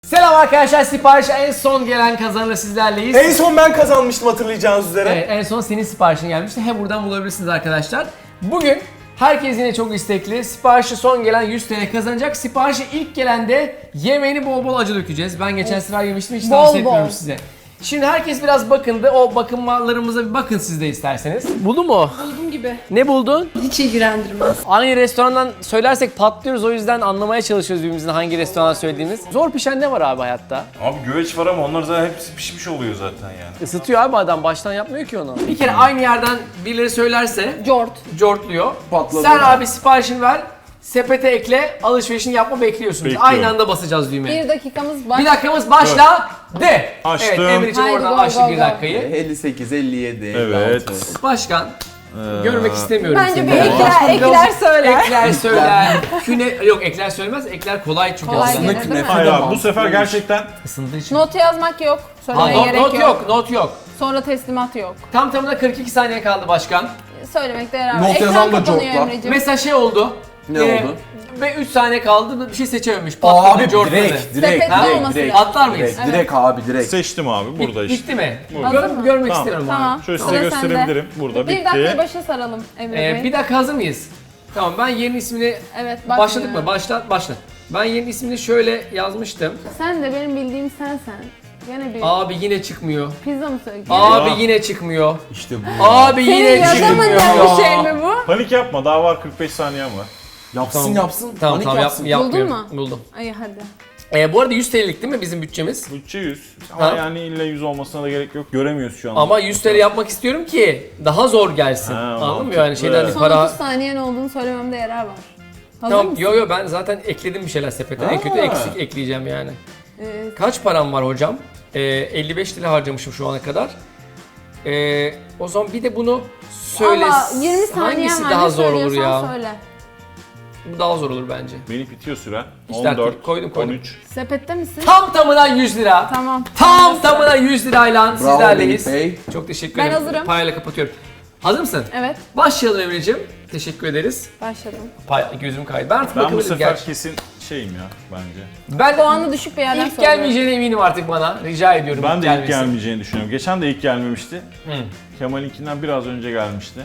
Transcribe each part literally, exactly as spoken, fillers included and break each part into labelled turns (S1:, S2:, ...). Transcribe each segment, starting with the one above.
S1: Selam arkadaşlar, siparişe en son gelen kazanla sizlerleyiz.
S2: En son ben kazanmıştım hatırlayacağınız üzere.
S1: Evet, en son senin siparişin gelmişti. Hem buradan bulabilirsiniz arkadaşlar. Bugün herkes yine çok istekli. Siparişi son gelen yüz T L kazanacak. Siparişi ilk gelen de yemeğini bol bol acı dökeceğiz. Ben geçen sefer yemiştim, hiç
S3: Bol
S1: tavsiye etmiyorum
S3: bol.
S1: size. Şimdi herkes biraz bakındı. O bakımlarımıza bir bakın siz de isterseniz. Buldun mu?
S3: Buldum gibi.
S1: Ne buldun?
S3: Hiç ilgilendirmez.
S1: Aynı restorandan söylersek patlıyoruz, o yüzden anlamaya çalışıyoruz birbirimizin hangi restoran söylediğimiz. Zor pişen ne var abi hayatta?
S4: Abi güveç var ama onlar zaten hepsi pişmiş oluyor zaten yani.
S1: Isıtıyor abi adam, baştan yapmıyor ki onu. Bir kere aynı yerden birileri söylerse
S3: Jort.
S1: cortluyor.
S2: Patladı.
S1: Sen abi siparişini ver, sepete ekle, alışverişini yapma bekliyorsunuz.
S4: Bekliyorum.
S1: Aynı anda basacağız düğmeye.
S3: Bir dakikamız var.
S1: Bir dakikamız başla de.
S4: Açtım.
S1: Evet, Emir için
S3: Haydi
S1: oradan
S3: go,
S1: açtık
S3: go,
S1: bir
S3: go.
S1: dakikayı.
S2: elli sekiz, elli yedi, elli
S4: Evet.
S2: altı.
S1: Başkan,
S4: Ee,
S1: görmek istemiyorum
S3: Bence
S1: seni.
S3: bir ekler, ekler söyler.
S1: Ekler söyler. Küne, yok ekler söylemez, ekler kolay çünkü
S3: Kolay
S1: aslında.
S3: gelir, değil mi?
S4: Hayır abi bu sefer gerçekten
S1: Isındığı için.
S3: Not yazmak yok.
S1: Ha,
S3: Söylemeye
S1: not,
S3: gerek
S1: not
S3: yok.
S1: yok, not yok.
S3: Sonra teslimat yok.
S1: Tam tamına kırk iki saniye kaldı başkan.
S3: Söylemekte yarar var.
S2: Not
S3: Ekran
S2: yazan da
S3: kapanıyor
S2: cortla.
S3: Emre'ciğim.
S1: Mesela şey oldu.
S2: Ne oldu?
S1: Ve üç saniye kaldı, bir şey seçememiş. Patladı,
S2: Abi
S1: cortladı.
S2: direkt, direkt,
S3: Sepetli
S2: direkt,
S3: olması
S2: direkt,
S3: lazım.
S1: Atlar mıyız?
S2: direkt, direkt abi direkt.
S4: seçtim abi burada işte.
S1: Bitti mi?
S3: Hazır
S1: Gör-
S3: mı?
S1: görmek
S4: Tamam.
S1: istiyorum
S3: Tamam.
S1: abi.
S4: Şöyle size
S3: Sıra
S4: gösterebilirim.
S3: sende.
S4: Burada
S3: Bir dakikayı
S4: bitti.
S3: başa saralım Emre
S1: Ee,
S3: Bey.
S1: bir dakika, hazır mıyız? Tamam, ben yerin ismini...
S3: Evet,
S1: Başladık
S3: bakmıyorum.
S1: mı? Başla, başla. Ben yerin ismini şöyle yazmıştım.
S3: Sen de benim bildiğim sensen. Gene bir
S1: Abi yine çıkmıyor.
S3: pizza mı söylüyorsun?
S1: Abi
S4: Ya.
S1: yine çıkmıyor.
S2: İşte bu.
S1: Abi
S3: Senin
S1: yine
S3: yazamadığın
S1: çıkmıyor.
S3: bir şey mi bu?
S4: Panik yapma daha var kırk beş saniyen var.
S2: Yapsın
S1: Tamam.
S2: yapsın.
S1: Tamam
S2: panik
S1: tamam yap,
S2: yapsın.
S1: yapmıyorum.
S3: mu?
S1: Buldum.
S3: Ay hadi.
S1: Ee, bu arada yüz T L'lik değil mi bizim bütçemiz?
S4: Bütçe yüz. Ama
S1: Ha.
S4: yani illa yüz olmasına da gerek yok. Göremiyoruz şu an.
S1: Ama yüz T L yapmak istiyorum ki daha zor gelsin.
S4: Ha,
S1: Anladın mı?
S4: mantıklı.
S1: Yani şeyden bir
S3: Son
S1: para...
S3: otuz saniyen olduğunu söylememde yarar var. Hazır
S1: Tamam,
S3: mısın?
S1: yo yo ben zaten ekledim bir şeyler sepete. En kötü
S4: Ha.
S1: eksik ekleyeceğim yani.
S3: Ee,
S1: Kaç param var hocam? Ee, elli beş lira harcamışım şu ana kadar. Ee, o zaman bir de bunu söyle.
S3: Ama yirmi saniyen
S1: Hangisi
S3: var.
S1: daha
S3: Ne
S1: zor olur
S3: söylüyorsan
S1: ya?
S3: Söyle.
S1: Bu daha zor olur bence.
S4: Benim bitiyor süren.
S1: İşte
S4: on dört,
S1: artık koydum, koydum.
S4: on üç.
S3: Sepette misin?
S1: Tam tamına yüz lira.
S3: Tamam.
S1: Tam tamına yüz lirayla sizlerleyiz.
S2: Melih Bey.
S1: Çok teşekkür
S3: Ben
S1: ederim.
S3: hazırım.
S1: Payla kapatıyorum. Hazır mısın?
S3: Evet,
S1: Başlayalım Emre'ciğim. Teşekkür ederiz.
S3: başladım.
S1: Pay, gözüm kaydı. Ben artık
S4: Ben bu
S1: bakabilirim
S4: sefer
S1: gerçi.
S4: kesin şeyim ya bence.
S1: Ben
S3: Puanı düşük bir yerden
S1: ilk
S3: soruyorum.
S1: gelmeyeceğine eminim artık bana. Rica ediyorum.
S4: Ben de ilk
S1: gelmesini.
S4: gelmeyeceğini düşünüyorum. Geçen de ilk gelmemişti.
S1: Hı.
S4: Kemal'inkinden biraz önce gelmişti.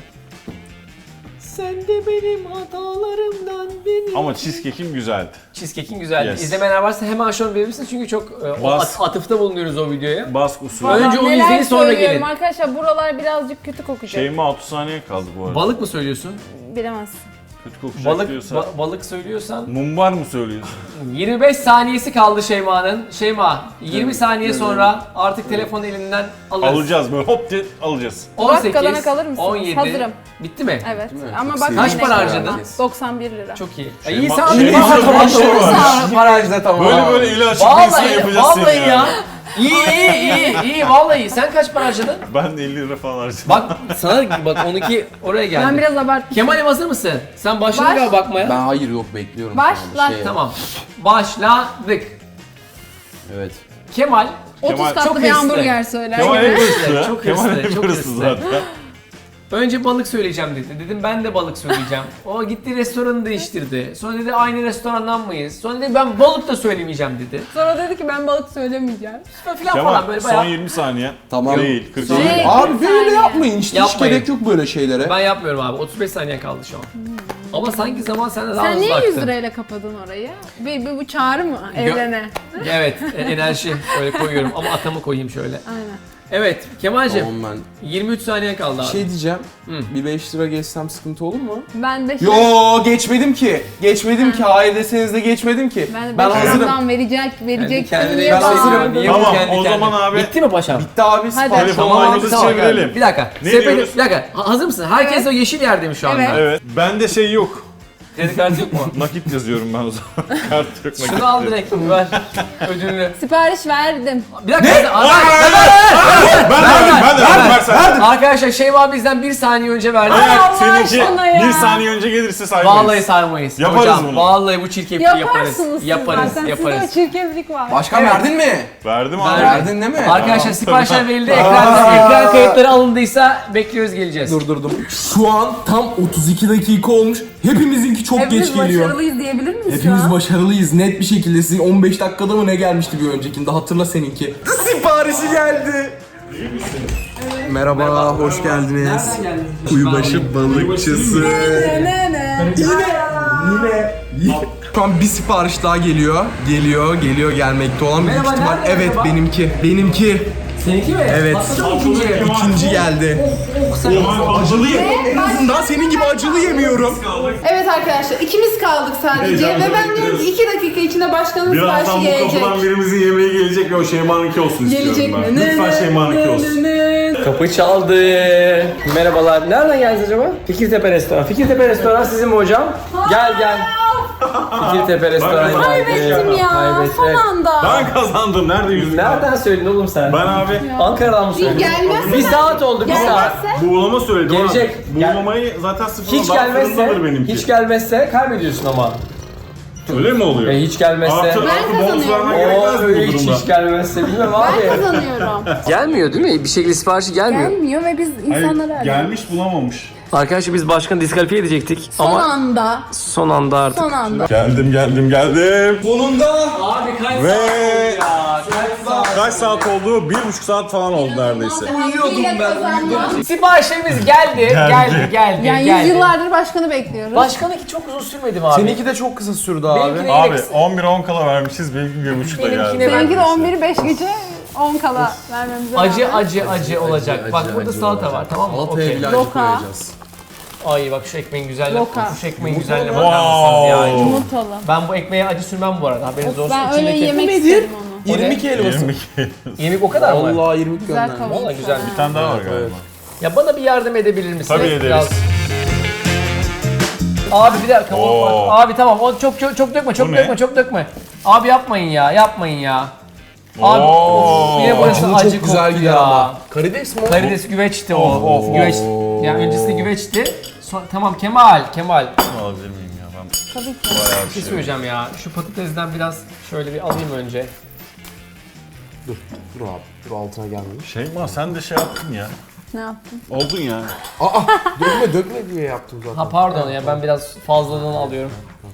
S1: Sen de benim hatalarımdan beni.
S4: Ama cheesecake'im güzeldi.
S1: Cheesecake'in güzeldi.
S4: Yes.
S1: İzlemeyenler varsa hemen şu an verebilirsiniz çünkü çok e, o
S4: Bas.
S1: at- atıfta bulunuyoruz o videoya.
S4: Bask usulü.
S1: Önce
S3: Vallahi
S1: onu
S3: neler
S1: izleyin, sonra
S3: söylüyorum
S1: gelin.
S3: Arkadaşlar buralar birazcık kötü kokacak.
S4: Şeyime altı saniye kaldı bu arada.
S1: Balık mı söylüyorsun?
S3: Bilemezsin.
S4: Kötü kokacak
S1: Balık
S4: diyorsa.
S1: ba- balık söylüyorsan
S4: Mumbar mı söylüyorsun?
S1: yirmi beş saniyesi kaldı Şeyma'nın. Şeyma yirmi saniye sonra artık telefonu elinden alırız.
S4: Alacağız böyle hop diye alacağız.
S3: Burak
S1: on sekiz,
S3: kalana kalır mısınız?
S1: on yedi.
S3: Hazırım.
S1: Bitti mi?
S3: Evet.
S2: mi?
S3: Ama
S2: Çok
S3: bak
S2: sevdim.
S1: Kaç
S3: yine
S1: para
S3: kalırım.
S1: harcadın?
S3: doksan bir lira.
S1: Çok iyi.
S4: Şeyma-
S1: iyi sen
S4: Şeyma-
S1: iyi,
S4: Şeyma-
S1: tamam.
S2: Barajda tamam.
S4: Böyle böyle eli açık bir insan
S1: Vallahi,
S4: yapacaksın
S1: vallahi
S4: ya.
S1: ya. İyi iyi iyi iyi vallahi. Sen kaç para harcadın?
S4: Ben de elli lira falan harcadım.
S1: Bak sana bak onunki oraya geldi.
S3: Ben biraz abarttım.
S1: Kemal'im hazır mısın? Sen başladın
S3: Baş-
S1: galiba bakmaya.
S2: Ben hayır yok bekliyorum.
S3: Başla.
S2: şu anda. Şey,
S1: Tamam. Başladık.
S2: Evet.
S1: Kemal
S3: otuz
S4: Kemal-
S1: çok
S3: katlı bir
S1: hızlı.
S3: hamburger söyler
S4: Kemal
S3: gibi.
S4: hep hırslı.
S1: Çok
S4: Kemal
S1: hırslı,
S4: hep
S1: çok
S4: hırslı
S1: hırslı.
S4: zaten.
S1: önce balık söyleyeceğim dedi. Dedim ben de balık söyleyeceğim. O gitti restoranı değiştirdi. Sonra dedi aynı restorandan mıyız? Sonra dedi ben balık da söylemeyeceğim dedi.
S3: Sonra dedi ki ben balık söylemeyeceğim.
S1: Falan falan
S4: Kemal
S1: böyle
S4: son
S1: bayağı.
S4: yirmi saniye.
S2: Tamam.
S4: Değil kırk
S3: Şey-
S4: saniye.
S2: Abi
S3: kırk
S2: böyle
S3: saniye.
S2: yapmayın işte. Hiç
S1: Yapmayın.
S2: gerek yok böyle şeylere.
S1: Ben yapmıyorum abi. otuz beş saniye kaldı şu an. Ama sanki zaman sende daha
S3: Sen
S1: hızlı
S3: niye
S1: aktı.
S3: yüz lirayla kapadın orayı? Bir, bir bu çağrı mı evrene?
S1: Evet, e, enerji öyle koyuyorum ama atamı koyayım şöyle.
S3: Aynen.
S1: Evet, Kemal'cim
S2: Tamam ben.
S1: yirmi üç saniye kaldı abi.
S2: Şey diyeceğim.
S1: Hı.
S2: Bir beş lira geçsem sıkıntı olur mu?
S3: Ben de
S2: Yo geçmedim ki. Geçmedim ki. Hayır deseniz de geçmedim ki.
S3: ben de
S2: Ben
S3: beş
S2: hazırım.
S3: liramdan verecek, verecek.
S1: Kendine
S3: diye
S2: Ben hazırım.
S3: bağırdım.
S1: Niye bu
S4: Tamam,
S1: kendi
S4: o
S1: kendine?
S4: zaman abi-
S1: Bitti mi paşam?
S2: Bitti abi.
S3: Hadi.
S2: sipariş
S4: Telefon
S2: olmadı.
S4: maymunuzu
S2: Tamam.
S4: çevirelim.
S1: Bir dakika.
S4: Ne
S1: Sepeti-
S4: diyoruz?
S1: Bir dakika. Ha- Hazır mısın? Herkes
S3: Evet.
S1: o yeşil yerde mi şu anda?
S3: Evet.
S4: Evet. Bende şey yok.
S1: Kredi kartı yok mu?
S4: Nakit yazıyorum ben o zaman. Kart yok nakit.
S1: Şunu al direkt ver ödülünü.
S3: Sipariş verdim.
S1: Bir dakika. Ne?
S4: Ben verdim, ben de verdim. Versen.
S1: Arkadaşlar Şeyma bizden bir saniye önce verdi.
S4: Eğer
S3: Allah
S4: seninki
S3: aşkına ya.
S4: bir saniye önce gelirse saymayız.
S1: Vallahi sarmayız.
S4: Yaparız
S1: Hocam,
S4: bunu.
S1: Vallahi bu çirkefliği yaparız.
S3: Yaparsınız siz
S1: Yaparız,
S3: zaten.
S1: yaparız.
S3: Sizde o çirkeflik var.
S2: Başkan
S1: Evet.
S2: verdin mi?
S4: Verdim
S1: Ver-
S4: abi.
S2: Verdin değil mi?
S1: Arkadaşlar siparişler verildi. Ekran, ekran kayıtları alındıysa bekliyoruz geleceğiz.
S2: Durdurdum. Şu an tam otuz iki dakika olmuş. Hepimizinki
S5: çok
S3: Hepimiz
S5: geç geliyor.
S3: başarılıyız diyebilir miyiz şu
S5: Hepimiz
S3: an?
S5: başarılıyız net bir şekilde. Sizin on beş dakikada mı ne gelmişti bir öncekinde? Hatırla seninki.
S2: Siparişi geldi. Merhaba, hoş geldiniz. Kuyubaşı balıkçısı.
S3: Ne ne?
S2: Yine. Şu an bir sipariş daha geliyor. Geliyor, geliyor gelmekte olan büyük
S1: Merhaba,
S2: ihtimal.
S1: nerede
S2: Evet,
S1: acaba?
S2: benimki. Benimki.
S1: Seninki mi?
S2: Evet.
S1: Patladı mı ikinci?
S2: İkinci geldi. Acılı yedim. En azından senin gibi acılı yemiyorum.
S3: Evet arkadaşlar ikimiz kaldık sadece
S4: Heyecanla
S3: ve ben diyorum ki
S4: bekliyoruz.
S3: iki dakika içinde başkanın
S4: Birazdan
S3: siparişi
S4: bu
S3: gelecek.
S4: kapıdan birimizin yemeği gelecek ve o Şeyma'nınki olsun
S3: Gelecek
S4: istiyorum
S3: mi?
S4: ben. Lütfen Şeyma'nınki olsun.
S1: Kapı çaldı. Merhabalar. Nereden geldiniz acaba? Fikirtepe Restoran. Fikirtepe Restoran sizin mi hocam? Gel gel. Fikirtepe Restoran geldi.
S3: Kaybettim ya
S1: Kaybettim.
S3: son anda.
S4: Ben kazandım. Nerede yüzük?
S1: Nereden söyledin oğlum sen?
S4: Ben abi
S1: Ankara'dan mı söyledin?
S3: Gelmezse
S1: Bir
S3: ben-
S1: saat oldu, bir saat.
S3: Gelmezse
S4: buğulama söyledim
S1: Gelecek.
S4: abi. Buğulamayı zaten sıfırdan
S1: Hiç
S4: daha
S1: gelmezse,
S4: fırındadır benimki.
S1: hiç gelmezse kaybediyorsun ama.
S4: Öyle mi oluyor?
S1: E, hiç gelmezse.
S4: Artı,
S3: Ben
S4: artı bonus
S3: kazanıyorum.
S4: vermen
S1: Oo,
S4: gerekmez mi
S1: öyle
S4: bu
S1: hiç,
S4: durumda?
S1: hiç gelmezse bilmem
S3: ben
S1: abi.
S3: kazanıyorum.
S1: Gelmiyor değil mi? Bir şekilde siparişi gelmiyor.
S3: Gelmiyor ve biz insanları arıyoruz.
S4: Gelmiş bulamamış.
S1: Arkadaşlar biz başkanı diskalifiye edecektik
S3: Son
S1: ama
S3: anda.
S1: son anda artık.
S3: Son anda.
S4: Geldim geldim geldim.
S2: Sonunda.
S1: Abi kaç
S4: Ve
S1: Kaç saat?
S4: kaç saat oldu? Bir buçuk saat falan oldu neredeyse.
S3: Uyuyordum ben.
S1: Siparişlerimiz geldi, geldi, geldi,
S3: Yani
S1: geldi.
S3: yüzyıllardır başkanı bekliyoruz.
S1: Başkanınki çok uzun sürmedi mi abi?
S2: Seninki de çok kısa sürdü abi.
S1: Benimkine
S4: Abi
S1: yine-
S4: on bir on kala vermişiz. Benimki bir buçukta
S1: Benimkine
S4: geldi.
S1: ben-
S3: Seninki de on biri beş gece on kala vermemize
S1: Acı
S3: rağmen.
S1: acı acı olacak. Bak burada salata var, tamam mı?
S2: Salataya
S1: Okey.
S2: bile acı
S3: Loka.
S2: koyacağız.
S1: Ay bak şu ekmeğin güzelliğine,
S3: Loka.
S1: şu ekmeğin güzelliğine
S4: Wow.
S1: bakar mısınız ya?
S3: Yumurtalı.
S1: Ben bu ekmeğe acı sürmem bu arada, haberiniz olsun.
S3: Ben öyle
S1: İçindeki-
S3: yemek
S2: nedir?
S3: istedim onu.
S1: O ne?
S2: irmik helvası.
S4: yirmi
S1: Yemek o kadar mı?
S2: Vallahi irmik
S3: Güzel
S2: göndermiş.
S3: kavurmuş.
S1: Vallahi güzel.
S4: Bir tane daha var galiba.
S1: Ya bana bir yardım edebilir misin?
S4: Tabii ederiz.
S1: Biraz- Abi bir dakika. o-
S4: Oo.
S1: Abi tamam. O çok çok çok dökme, çok
S4: Bu ne?
S1: dökme, çok dökme. Abi yapmayın ya, yapmayın ya. Abi
S4: Oo.
S1: of, yine burası
S2: Acılı
S1: acı
S2: çok güzel
S1: koktu
S2: gider
S1: ya.
S2: ama. Karides mi o?
S1: Karides güveçti o.
S4: Of, of,
S1: Güveç.
S2: of.
S1: Yani öncesinde güveçti. Son, tamam Kemal, Kemal.
S4: Alabilir miyim ya ben?
S3: Tabii ki.
S4: Bayağı
S1: Bir
S4: bir
S1: şey
S4: şey.
S1: söyleyeceğim ya. Şu patatesden biraz şöyle bir alayım önce.
S2: Dur, dur abi. Dur altına gelmemiş.
S4: Şeyma sen de şey yaptın ya.
S3: Ne yaptın?
S4: Oldun ya.
S2: Aa, dökme dökme diye yaptım zaten.
S1: Ha pardon ya, ben biraz fazlalığını alıyorum.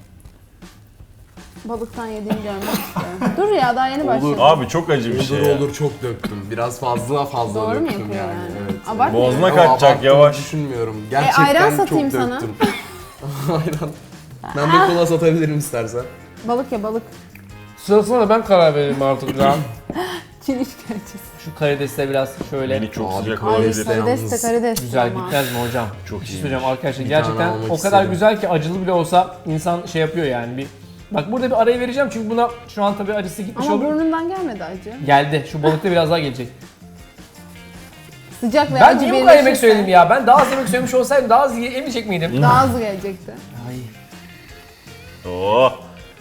S3: Balıktan yediğini görmek istiyorum. Dur ya daha yeni başladı.
S4: Abi çok acı bir şey
S2: Olur
S4: ya.
S2: olur çok döktüm. Biraz fazla fazla
S3: Doğru mu
S2: döktüm
S3: yapıyor yani?
S2: Evet.
S3: Abartma.
S4: Boğazına
S2: Ama
S4: kaçacak
S2: abarttığımı
S4: yavaş.
S2: düşünmüyorum. Gerçekten
S3: ayran
S2: çok
S3: satayım sana.
S2: döktüm. Ayran. Ben bir kola satabilirim istersen.
S3: Balık ya balık.
S1: Sırasına da ben karar veririm artık ya.
S3: Çin işkencesi.
S1: Şu karidesle biraz şöyle
S4: Beni çok
S2: Abi,
S4: sıcak
S2: Ay,
S3: Ay
S4: olabilir.
S3: karides de
S2: yalnız.
S3: karides.
S1: güzel
S3: ama.
S1: gitmez mi hocam?
S4: Çok
S1: Bir şey
S4: iyi.
S1: söyleyeceğim arkadaşlar,
S2: Bir
S1: gerçekten
S2: tane almak
S1: o kadar
S2: isterim.
S1: güzel ki acılı bile olsa insan şey yapıyor yani bir. Bak burada bir arayı vereceğim çünkü buna şu an tabii acısı gitmiş
S3: Ama
S1: oldu.
S3: burnundan gelmedi acı.
S1: Geldi. Şu balıkta biraz daha gelecek.
S3: Sıcak ve
S1: Ben
S3: acı
S1: niye bu kadar yemek
S3: birleşirse
S1: söyledim ya? Ben daha az yemek söylemiş olsaydım daha az ye- yemeyecek miydim?
S3: Daha hızlı gelecekti.
S1: Ay.
S4: Oo.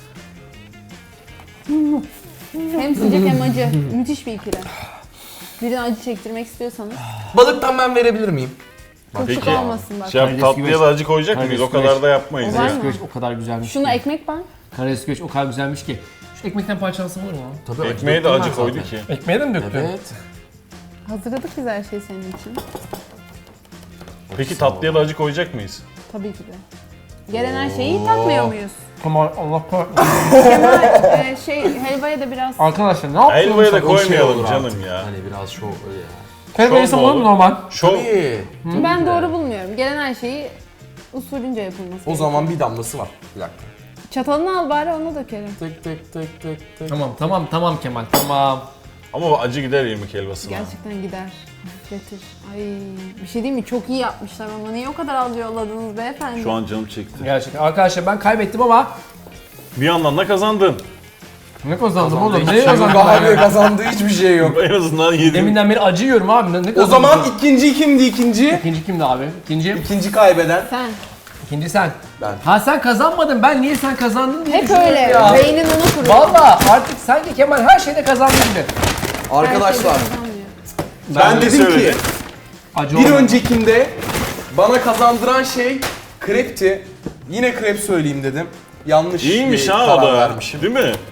S3: Hem sıcak hem acı. Müthiş bir ikili. Birine acı çektirmek istiyorsanız
S2: Balıktan ben verebilir miyim?
S3: çok sık
S4: Peki
S3: olmasın bak.
S4: şey yap,
S1: Karides
S4: tatlıya
S1: güveç.
S4: da acı koyacak
S1: Karides
S4: mıyız? O
S1: güveç.
S4: kadar da yapmayız
S3: O var
S4: ya.
S3: mı?
S1: Karides güveç o kadar güzelmiş
S3: Şuna
S1: ki.
S3: ekmek bank.
S1: Karides güveç o kadar güzelmiş ki. Şu ekmekten parçalasam olur mu?
S2: Tabii
S4: Ekmeğe de
S2: döktüm
S4: acı
S2: ben
S4: koydu
S2: zaten.
S4: ki.
S1: Ekmeğe de mi döktün?
S2: Evet.
S3: Hazırladık biz her şeyi senin için.
S4: Peki tatlıya da acı koyacak mıyız?
S3: Tabii ki de. Gelen her şeyi tatmıyor muyuz?
S1: Kemal Allah kahretsin.
S3: Kemal e, şey helvaya da biraz
S1: Arkadaşlar ne yapıyorsun?
S4: Helvaya da
S2: O şey
S4: koymayalım
S2: olur
S4: canım
S2: artık.
S4: ya.
S2: Hani biraz şov öyle ya.
S1: Helva yesem olur mu normal?
S4: Şov.
S2: Tabii.
S3: ben doğru bulmuyorum. Gelen her şeyi usulünce yapılması
S2: O
S3: gerekiyor.
S2: zaman bir damlası var. Bir dakika.
S3: Çatalını al bari ona dökelim.
S2: Tık tık tık tık tık.
S1: Tamam tamam tamam Kemal tamam.
S4: Ama acı gider irmik helvasına.
S3: Gerçekten gider. Hafifletir. Ay bir şey değil mi? Çok iyi yapmışlar ama niye o kadar az yolladınız beyefendi?
S4: Şu an canım çekti.
S1: Gerçekten arkadaşlar ben kaybettim ama
S4: Bir yandan da kazandın.
S1: ne kazandım oğlum?
S2: Hiçbir
S1: Ne
S2: şey yok
S1: kazandım
S2: abi,
S1: ben?
S2: kazandığı hiçbir şey yok.
S4: En azından yedim.
S1: Deminden beri acı yiyorum abi. Ne, ne
S2: O
S1: kazandım?
S2: zaman ikinci kimdi ikinci?
S1: İkinci kimdi abi? İkinci,
S2: İkinci kaybeden.
S3: Sen.
S1: ikinci sen.
S2: Ben.
S1: Ha sen kazanmadın. Ben niye sen kazandın diye
S3: Hep
S1: düşünüyorum
S3: öyle.
S1: ya.
S3: Beynin onu kuruyor.
S1: Valla artık sanki Kemal her şeyde kazandı gibi.
S2: Arkadaşlar
S3: Her şeyde kazanmıyor.
S2: ben
S4: de
S2: dedim ki
S4: söyledim.
S1: Acı
S2: bir
S1: olmadı.
S2: öncekinde bana kazandıran şey krepti. Yine krep söyleyeyim dedim. Yanlış
S4: İyiymiş
S2: bir
S4: ha
S2: karar
S4: o da.
S2: vermişim.
S4: Değil mi?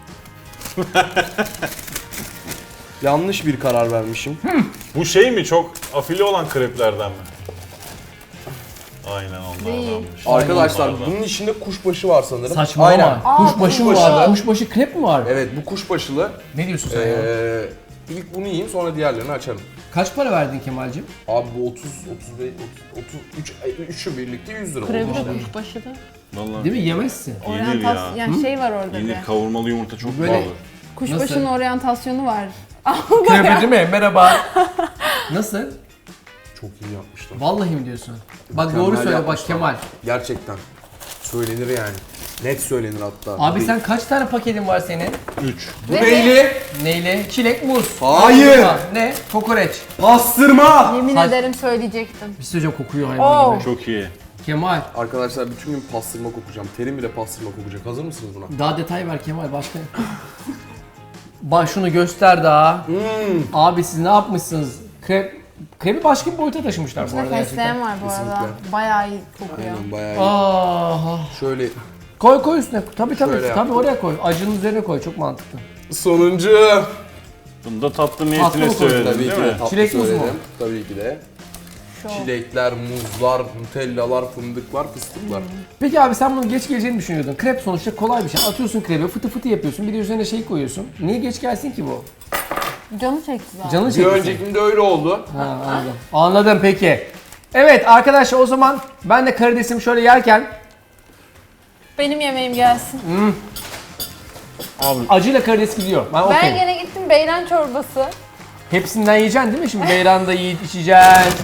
S2: Yanlış bir karar vermişim.
S4: Bu şey mi? Çok afili olan kreplerden mi? Aynen onlardanmış.
S3: Değil.
S2: Arkadaşlar
S4: Onlardan.
S2: bunun içinde kuşbaşı var sanırım.
S1: Saçmalama.
S2: Aynen.
S1: Kuşbaşı mı
S2: kuşbaşı.
S1: var? Kuşbaşı krep mi var?
S2: Evet bu kuşbaşılı.
S1: Ne diyorsun sen ya?
S2: Ee, ilk bunu yiyeyim sonra diğerlerini açarım.
S1: Kaç para verdin Kemal'cim?
S2: Abi bu otuz, otuz beş, otuz üç, üçü birlikte yüz lira oldu
S3: Krebi
S2: işte.
S3: de kuşbaşı da.
S4: Vallahi
S1: Değil mi? Yemezsin.
S4: yenir
S3: Oryantas
S4: ya.
S3: yani şey var orada
S4: Yenir,
S3: bir.
S4: kavurmalı yumurta çok
S1: Böyle-
S4: pahalı.
S3: Kuşbaşının
S1: Nasıl?
S3: oryantasyonu var.
S1: Krebi değil mi? Merhaba. Nasıl?
S2: Çok iyi yapmışlar.
S1: Vallahi mi diyorsun? Bak
S2: Mükemmel
S1: doğru söyle bak
S2: yapmışlar.
S1: Kemal.
S2: Gerçekten. Söylenir yani. Net söylenir hatta.
S1: Abi
S2: Bu-
S1: sen kaç tane paketin var senin?
S4: üç.
S2: Bu neyli?
S1: Neyle? Çilek, muz.
S2: Hayır.
S1: Ha, ne? Kokoreç.
S2: Pastırma.
S3: Yemin
S1: Saç-
S3: ederim söyleyecektim.
S1: Bir şey söyleyeceğim, kokuyor hayvan
S3: Oo.
S1: gibi.
S4: Çok iyi.
S1: Kemal,
S2: Arkadaşlar bütün gün pastırma kokacağım. Terim bile pastırma kokacak. Hazır mısınız buna?
S1: daha detay ver Kemal başka. Bak şunu göster daha.
S2: Hmm.
S1: Abi siz ne yapmışsınız? Krep, krepi başka bir boyuta taşımışlar bu
S3: İçinde
S1: arada gerçekten.
S3: fesleğen var bu arada.
S2: Kesinlikle.
S3: Bayağı iyi kokuyor.
S2: Aynen bayağı iyi.
S1: Aa,
S2: Şöyle
S1: koy koy üstüne. Tabii tabii.
S2: Şöyle
S1: Tabii
S2: yaptım.
S1: oraya koy. Acının üzerine koy. Çok mantıklı.
S2: sonuncu.
S4: Bunu da tatlı
S1: Tatlı
S4: niyetine
S1: mı koydun?
S4: söyledin
S2: Tabii
S4: değil
S2: ki
S4: mi?
S2: de tatlı
S1: Çilek muz mu?
S2: söyledim. Tabii ki de.
S3: Şu.
S2: Çilekler, muzlar, nutellalar, fındıklar, fıstıklar.
S1: Peki abi sen bunu geç geleceğini düşünüyordun. Krep sonuçta kolay bir şey. Atıyorsun krepi, fıtı fıtı yapıyorsun. Bir de üzerine şey koyuyorsun. Niye geç gelsin ki bu?
S3: Canı çekti zaten.
S1: Canın
S2: Bir
S1: çekti.
S2: öncekinde öyle oldu.
S1: Ha, anladım. Anladım peki. Evet arkadaşlar o zaman ben de karidesimi şöyle yerken
S3: Benim yemeğim gelsin.
S4: Abi
S1: acıyla karides gidiyor. Ben
S3: Ben
S1: okeyim.
S3: gene gittim beyran çorbası.
S1: Hepsinden yiyeceksin değil mi? Şimdi beyran da yiyip içeceksin.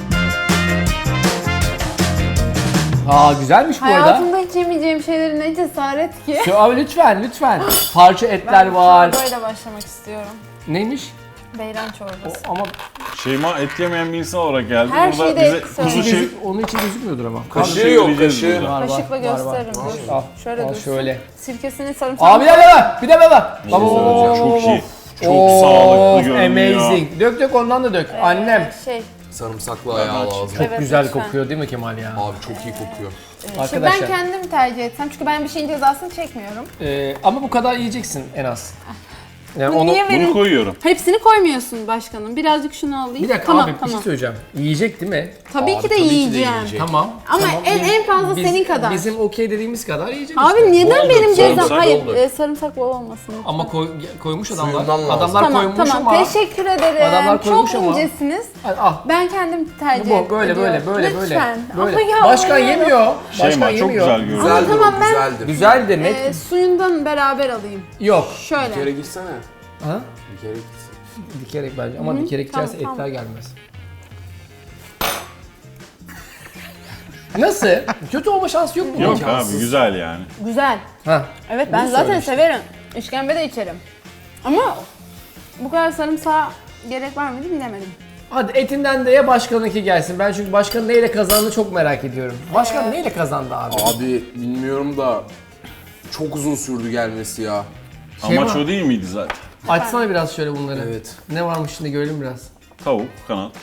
S1: Aa güzelmiş bu arada.
S3: Hayatımda hiç yemeyeceğim şeylerin ne cesaret ki.
S1: Şu- Abi lütfen lütfen. Parça etler var.
S3: Böyle başlamak istiyorum.
S1: Neymiş?
S3: Beyran
S1: O,
S3: çorbası.
S1: ama
S4: Şeyma et yemeyen bir insan olarak geldi.
S3: Her
S4: Burada
S3: şeyde
S4: bize
S3: et
S4: kuzu
S3: söyle.
S4: şey...
S1: gözük, onun için gözükmüyordur ama.
S2: Kaşığı
S4: şey
S2: yok,
S4: vereceğiz
S2: kaşığı.
S4: burada.
S1: Var, var,
S3: Kaşıkla
S1: var,
S3: gösteririm.
S1: var.
S3: Dur.
S1: Al,
S3: Şöyle
S1: al
S3: dursun.
S1: şöyle.
S3: Sirkesini sarımsak.
S1: Abi bir de baba, bir de baba.
S4: Bir şey söyleyeceğim. Çok iyi. Çok
S1: Of,
S4: sağlıklı görünüyor.
S1: amazing. Dök dök ondan da dök. Annem.
S3: Ee, Şey.
S2: Sarımsaklı ayağı lazım.
S1: Çok
S3: Evet,
S1: güzel
S3: lütfen.
S1: kokuyor değil mi Kemal ya?
S2: Abi çok iyi kokuyor.
S3: Şimdi
S1: Arkadaşlar.
S3: ben kendim tercih etsem çünkü ben bir şeyin cezasını çekmiyorum.
S1: Ee, ama bu kadar yiyeceksin en az. Yani
S3: Bu
S1: onu...
S3: niye
S4: Bunu
S3: benim?
S4: koyuyorum.
S3: Hepsini koymuyorsun başkanım. Birazcık şunu alayım.
S1: Bir dakika
S3: tamam,
S1: abi bir
S3: tamam.
S1: şey söyleyeceğim. Yiyecek değil mi?
S3: Tabii
S2: Abi,
S3: ki de
S2: tabii ki de
S3: yiyeceğim.
S2: yiyecek.
S1: Tamam.
S3: Ama
S1: tamam.
S3: en- en fazla senin kadar.
S1: Bizim okey dediğimiz kadar yiyecek
S3: Abi
S1: işte.
S3: neden
S2: Bol
S3: benim
S2: dök,
S3: cezam?
S2: sarımsak
S3: Hayır,
S2: bol dök.
S3: e, sarımsak bol olmasın.
S1: Ama koy, koymuş adamlar.
S2: Suyundan lazım.
S1: Adamlar
S3: Tamam,
S1: koymuş
S3: tamam.
S1: ama.
S3: Teşekkür ederim.
S1: Adamlar koymuş
S3: Çok
S1: ama.
S3: incesiniz.
S1: Al, al.
S3: Ben kendim tercih
S1: Bu böyle böyle
S3: ediyorum.
S1: böyle böyle.
S3: Lütfen.
S1: Böyle.
S3: Ama ya,
S1: Başkan
S3: oluyorum.
S1: yemiyor. Başkan
S4: Şeyma çok
S1: yemiyor.
S4: güzel görünüyor.
S2: Güzeldir
S3: tamam,
S2: o,
S3: ben-
S2: güzeldir.
S1: Güzeldir net.
S3: E, suyundan beraber alayım.
S1: Yok.
S2: Bir
S3: Şöyle.
S2: kere gitsene.
S1: Ha?
S2: Bir kere gitsin.
S1: Dikerek bence ama dikerek
S3: tamam,
S1: içerse
S3: tamam.
S1: etler gelmez. Nasıl? Kötü olma şansı yok mu?
S4: Yok
S2: İmkansız.
S4: abi güzel yani.
S3: Güzel.
S1: Ha.
S3: Evet ben
S2: Bunu
S3: zaten
S2: söyle işte.
S3: severim. İşkembe de içerim. Ama bu kadar sarımsağa gerek var mıydı bilemedim.
S1: Hadi etinden de ye başkanınki gelsin. Ben çünkü başkanın neyle kazandığını çok merak ediyorum. Başkan neyle kazandı abi?
S2: Abi bilmiyorum da çok uzun sürdü gelmesi ya.
S1: Şey
S4: Amaç
S1: var.
S4: o değil miydi zaten?
S1: Açsana biraz şöyle bunları.
S2: Evet.
S1: Ne varmış şimdi görelim biraz.
S4: Tavuk, kanat.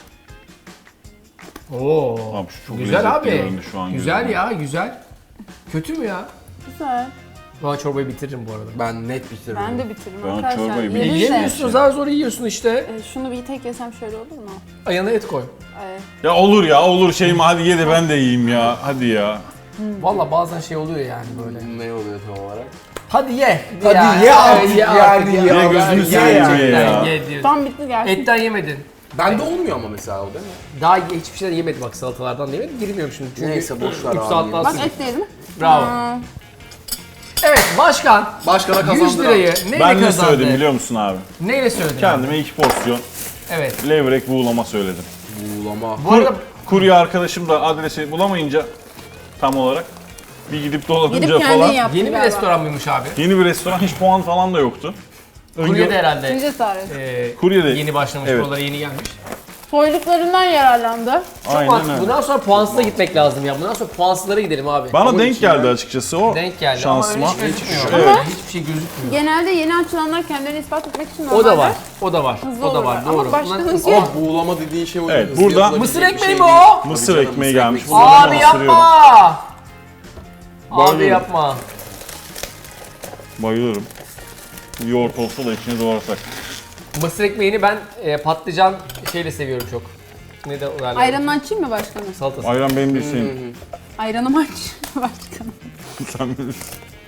S1: Oo.
S4: Abi şu çok
S1: güzel
S4: lezzetli
S1: abi.
S4: göründü şu an
S1: Güzel
S4: gözüme.
S1: ya, güzel. Kötü mü ya?
S3: Güzel.
S1: Ben çorbayı bitiririm bu arada.
S2: Ben net bitiririm.
S3: Ben de bitiririm
S4: Ben
S3: arkadaşlar.
S4: çorbayı
S3: Yediniz
S4: bir-
S3: de.
S1: Yiyemiyorsun, zar zor yiyorsun işte.
S3: E, şunu bir tek yesem şöyle olur mu?
S1: Ayağına et koy.
S3: E,
S4: Ya olur ya olur Şeyma hadi ye de ben de yiyeyim ya. Hadi ya.
S1: Valla bazen şey oluyor yani böyle.
S2: Ne oluyor tam olarak?
S1: Hadi ye.
S2: Hadi
S1: Ya,
S2: ye artık
S1: ye
S2: yani,
S1: artık
S2: ye.
S4: Ye gözünü seveyim
S1: yani.
S4: ye ya.
S1: Ye diyorsun.
S3: tam bitti gerçekten.
S1: Etten yemedin.
S2: Bende olmuyor ama mesela o değil mi?
S1: Daha ye- hiçbir şeyden yemedim bak salatalardan da yemedim. Girmiyorum şimdi çünkü
S2: Neyse, boş ver
S1: üç
S2: abi.
S1: saat daha
S3: Bak
S1: sürdü.
S3: et değil mi?
S1: Bravo.
S3: Aa,
S1: Evet başkan
S2: Başkana
S1: yüz
S2: kazandıran.
S1: lirayı neyle
S4: Ben ne
S1: kazandı?
S4: söyledim biliyor musun abi?
S1: Neyle söyledin?
S4: Kendime iki porsiyon
S1: Evet.
S4: levrek buğulama söyledim.
S2: Buğulama.
S1: Bu arada
S4: Kurye arkadaşım da adresi bulamayınca tam olarak bir gidip dolanınca
S3: gidip kendin
S4: falan
S3: yaptın
S1: yeni bir
S3: galiba.
S1: restoran mıymış abi?
S4: yeni bir restoran hiç puan falan da yoktu.
S1: Kurye'de herhalde.
S3: Ne cesaret.
S1: E,
S4: Kurye'de.
S1: Yeni başlamış,
S4: Evet.
S1: buralara yeni gelmiş.
S3: Soyluklarından yararlandı.
S1: Çok
S4: Aynen
S1: mantıklı.
S4: öyle.
S1: Bundan sonra puansıza gitmek lazım ya. Bundan sonra puansızlara gidelim abi.
S4: Bana
S2: Ama
S4: denk
S2: içinden-
S4: geldi açıkçası o
S1: Denk geldi
S4: şansıma.
S1: ama öyle hiç gözükmüyor.
S4: Evet.
S1: Ama hiçbir şey gözükmüyor.
S3: Genelde yeni açılanlar kendilerini ispat etmek için
S1: O da var.
S3: normalde
S1: O da var.
S3: hızlı
S1: O da var.
S3: olurlar.
S1: Doğru.
S3: Ama başkanın
S1: Bunlar-
S3: ki-
S2: Ama buğulama dediğin şey o.
S4: Evet,
S2: hızlı
S4: burada-
S2: yapılabilecek
S1: Mısır
S2: bir
S1: ekmeği
S2: şey
S1: mi
S2: değil.
S1: o?
S2: Tabii
S4: Mısır
S2: canım,
S4: ekmeği
S2: mısır
S4: gelmiş.
S2: ekmeği.
S4: Bunları
S1: Abi
S4: ben ısırıyorum.
S1: yapma. Abi
S4: Bayılıyorum.
S1: yapma.
S4: Bayılıyorum. Yoğurt olsa da içine doğrasak.
S1: Mısır ekmeğini ben e, patlıcan şeyle seviyorum çok. Ne de o derler?
S3: ayranını açayım mı başkanım?
S1: Salatası.
S4: Ayran benim de şeyim.
S3: Ayranım aç. Başkanım.
S4: Sen bilirsin.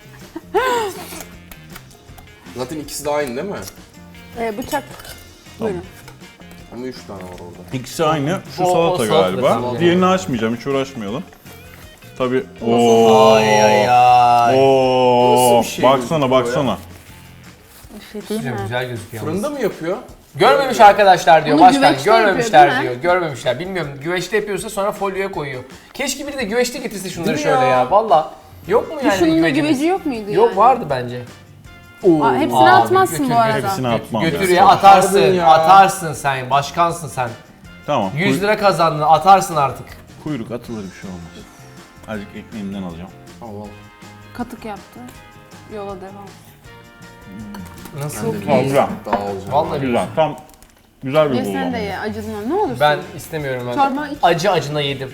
S2: Zaten ikisi de aynı değil mi?
S3: Ee, bıçak. Buyurun.
S2: Ama üç tane var orada.
S4: İkisi aynı. Şu
S1: O- o
S4: salata
S1: salata
S4: galiba.
S1: salata.
S4: Diğerini açmayacağım, hiç uğraşmayalım. Tabii. Oo.
S1: Ay ay ay.
S4: Oo.
S2: Nasıl bir şey
S4: Baksana
S2: gözüküyor
S4: baksana.
S3: Bir şey değil
S1: Güzel,
S3: mi?
S1: güzel gözüküyor.
S2: Fırında mı yapıyor?
S1: Görmemiş arkadaşlar diyor
S3: Bunu
S1: başkan.
S3: güveçte yapıyor,
S1: Görmemişler
S3: değil mi?
S1: diyor. Görmemişler. Bilmiyorum. Güveçte yapıyorsa sonra folyoya koyuyor. Keşke biri de güveçte getirse şunları
S2: Değil mi
S1: şöyle ya.
S2: ya?
S1: Valla. Yok mu yani
S3: Şunun da
S1: güvecimiz?
S3: güveci yok muydu
S1: Yok
S3: yani?
S1: vardı bence.
S3: Aa, hepsini
S1: Abi,
S3: atmazsın
S1: götür,
S3: bu arada.
S1: götür.
S4: Hepsini atmam.
S1: Götür
S4: ya.
S1: ya atarsın.
S2: Pardon ya.
S1: Atarsın sen. Başkansın sen.
S4: Tamam.
S1: yüz
S4: kuy-
S1: lira kazandın. Atarsın artık.
S4: Kuyruk atılır, bir şey olmaz. Azıcık ekmeğimden alacağım.
S2: Al al.
S3: Katık yaptı. Yola devam.
S1: Nasıl?
S4: Tamam, güzel.
S2: Daha alacağım.
S1: Vallahi
S4: Güzel. Tam güzel bir
S3: Ye
S4: bulma.
S3: sen de ye acıdın ne olursun.
S1: Ben istemiyorum ben.
S3: Çorba iç.
S1: Acı acına yedim.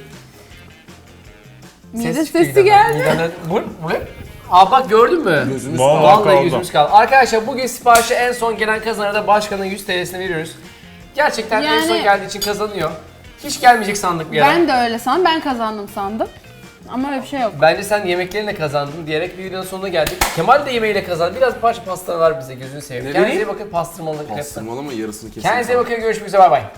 S3: Mide
S1: Ses
S3: sesi
S1: çıktı
S3: geldi.
S1: midemden. Bu, bu ne? Aa bak gördün mü?
S2: Gözümüz
S4: Vallahi
S1: Vallahi
S4: kaldı.
S1: yüzümüz kaldı. Arkadaşlar bugün siparişi en son gelen kazanana da başkanın yüz T L'sini veriyoruz. Gerçekten en
S3: Yani-
S1: son geldiği için kazanıyor. Hiç gelmeyecek sandık bir ara.
S3: Ben de öyle sandım. Ben kazandım sandım. Ama öyle bir şey yok.
S1: Bence sen yemeklerinle kazandın diyerek bir videonun sonuna geldik. Kemal de yemeğiyle kazandı. Biraz bir parça pasta ver bize gözünü seveyim.
S2: Ne
S1: Kendinize iyi
S2: vereyim?
S1: bakın pastırmalı krep.
S2: Pastırmalı mı yarısını kesin.
S1: Kendinize iyi bakın görüşmek üzere bay bay.